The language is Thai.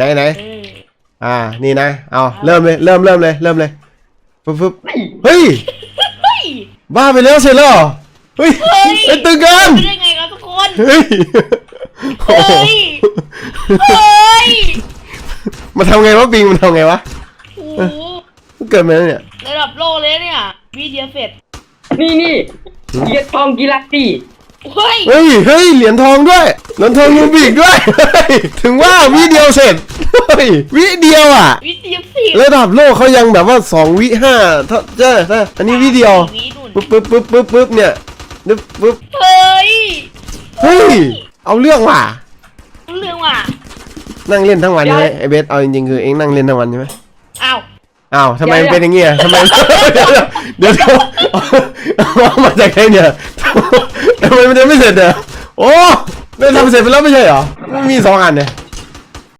ไหนนี่นะเอาเริ่มเลยปึ๊บเฮ้ยบ้าไปแล้วเสร็จแล้วเฮ้ยเป็นตึงกันได้ไงครับทุกคนเฮ้ยมาทำไงวะปิงมันทำไงวะเกิดมาแล้วเนี่ยระดับโลกเลยเนี่ยวิดีโอเสร็จนี่เหรียญทองกีฬาสีเฮ้ยเหรียญทองด้วยเหรียญทองยูบิกด้วยถึงว่าวิเดียวเสร็จวิเดียวอ่ะวิดีโอเสร็จระดับโลกเขายังแบบว่า2 วิ 5ถ้าใช่อันนี้วิเดียวปึ๊บเนี่ยปึ๊บเฮ้ยเอาเรื่องว่ะนั่งเล่นทั้งวันใช่ไหมไอเบสเอาจริงๆคือเองนั่งเล่นทั้งวันใช่ไหมอ้าวทำไมเป็นอย่างเงี้ยทำไมเดี๋ยวเอามาจากไหนเนี่ยทำไมมันจะไม่เสร็จเนี่ยโอ้ไม่ทำเสร็จไปแล้วไม่ใช่เหรอมันมี2 อันเนี่ย